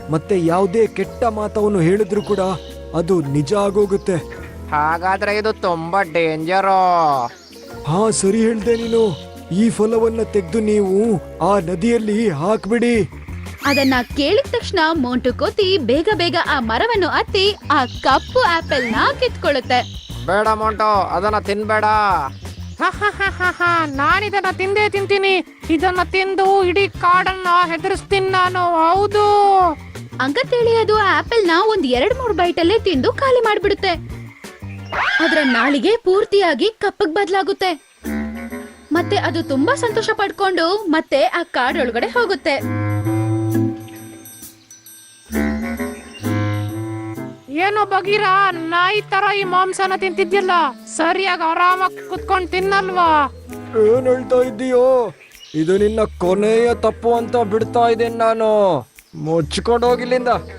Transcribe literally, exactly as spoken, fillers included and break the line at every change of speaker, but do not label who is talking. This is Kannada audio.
ಮತ್ತೆ ಯಾವುದೇ ಕೆಟ್ಟ ಮಾತವನ್ನು ಹೇಳಿದ್ರು ಕೂಡ ಅದು ನಿಜ ಆಗೋಗುತ್ತೆ.
ಹಾಗಾದ್ರೆ ಇದು ತುಂಬಾ ಡೇಂಜರು.
ಹಾ ಸರಿ ಹೇಳ್ದೆ ನೀನು. ಈ ಫಲವನ್ನ ತೆಗೆದು ನೀವು ಆ ನದಿಯಲ್ಲಿ ಹಾಕ್ಬಿಡಿ.
ಅದನ್ನ ಕೇಳಿದ ತಕ್ಷಣ ಮೋಂಟು ಕೋತಿ ಬೇಗ ಬೇಗ ಆ ಮರವನ್ನು ಹತ್ತಿ ಆ ಕಪ್ಪು ಆಪಲ್ ನ ಕಿತ್ಕೊಳ್ಳುತ್ತೆ.
ಬೇಡ ಮೋಂಟು, ಅದನ್ನ ತಿನ್ಬೇಡ. ನಾನಿದನ್ನ ತಿಂದೇ ತಿಂತೀನಿ. ಇದನ್ನ ತಿಂದು ಇಡೀ ಕಾಡನ್ನ ಹೆದರಿಸ್ತೀನಿ ನಾನು. ಹೌದು
ಅಂಕತೇಳಿ ಅದು ಆಪಲ್ ನ ಒಂದ್ ಎರಡ್ ಮೂರ್ ಬೈಟ್ ಅಲ್ಲೇ ತಿಂದು ಖಾಲಿ ಮಾಡ್ಬಿಡುತ್ತೆ. ಅದ್ರ ನಾಲಿಗೆ ಪೂರ್ತಿಯಾಗಿ ಕಪ್ಪಗ್ ಬದಲಾಗುತ್ತೆ. ಮತ್ತೆ ಅದು ತುಂಬಾ ಸಂತೋಷ ಪಡ್ಕೊಂಡು ಮತ್ತೆ ಆ ಕಾಡೊಳಗಡೆ ಹೋಗುತ್ತೆ.
ಏನೋ ಬಗೀರ, ನಾಯಿ ತರ ಈ ಮಾಂಸನ ತಿಂತಿದ್ಯಲ್ಲ, ಸರಿಯಾಗಿ ಆರಾಮಾಗಿ ಕುತ್ಕೊಂಡು ತಿನ್ನಲ್ವಾ?
ಏನ್ ಹೇಳ್ತಾ ಇದ್ದೀಯೋ? ಇದು ನಿನ್ನ ಕೊನೆಯ ತಪ್ಪು ಅಂತ ಬಿಡ್ತಾ ಇದ್ದೇನೆ ನಾನು. ಮುಚ್ಕೊಂಡು ಹೋಗಿಲ್ಲಿಂದ.